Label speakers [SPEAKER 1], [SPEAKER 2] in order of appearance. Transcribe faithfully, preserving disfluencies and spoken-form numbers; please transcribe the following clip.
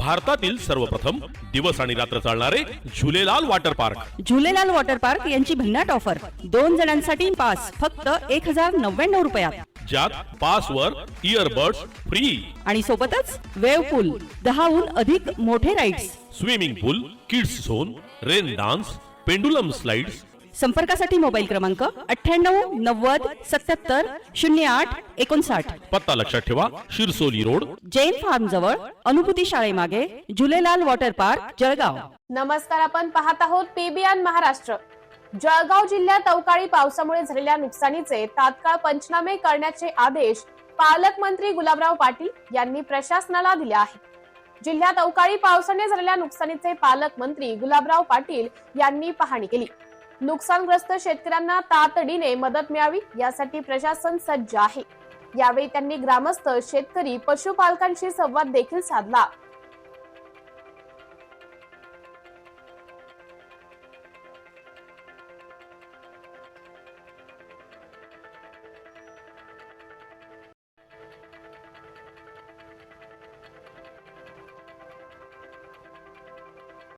[SPEAKER 1] भारतातील सर्वप्रथम दिवस आणि रात्र चालणारे Jhulelal water park.
[SPEAKER 2] Jhulelal water park यांची भन्नाट ऑफर. दोन जणांसाठी पास फक्त एक हजार नव्याण्णव रुपयात,
[SPEAKER 1] ज्यात पासवर इयरबड्स फ्री
[SPEAKER 2] आणि सोबतच वेव्ह पूल, दहाहून अधिक मोठे rides,
[SPEAKER 1] swimming pool, kids zone, rain dance, pendulum slides.
[SPEAKER 2] संपर्कासाठी मोबाईल क्रमांक अठ्ठ्याण्णव नव्वद सत्याहत्तर शून्य आठ एकोणसाठ.
[SPEAKER 1] पत्ता लक्षात ठेवा, शिरसोली रोड,
[SPEAKER 2] जैन फार्म जवळ, अनुभूती शाळेमागे, झुलेलाल वॉटर पार्क, जळगाव.
[SPEAKER 3] नमस्कार, आपण पाहत आहोत पीबीएन महाराष्ट्र. जळगाव जिल्ह्यात अवकाळी पावसामुळे झालेल्या नुकसानीचे तात्काळ पंचनामे करण्याचे आदेश पालकमंत्री गुलाबराव पाटील यांनी प्रशासनाला दिले आहेत. जिल्ह्यात अवकाळी पावसाने झालेल्या नुकसानीचे पालकमंत्री गुलाबराव पाटील यांनी पाहणी केली. नुकसानग्रस्त शेतकऱ्यांना तातडीने मदत मिळावी यासाठी प्रशासन सज्ज आहे. यावेळी त्यांनी ग्रामस्थ, शेतकरी, पशुपालकांशी संवाद देखील साधला.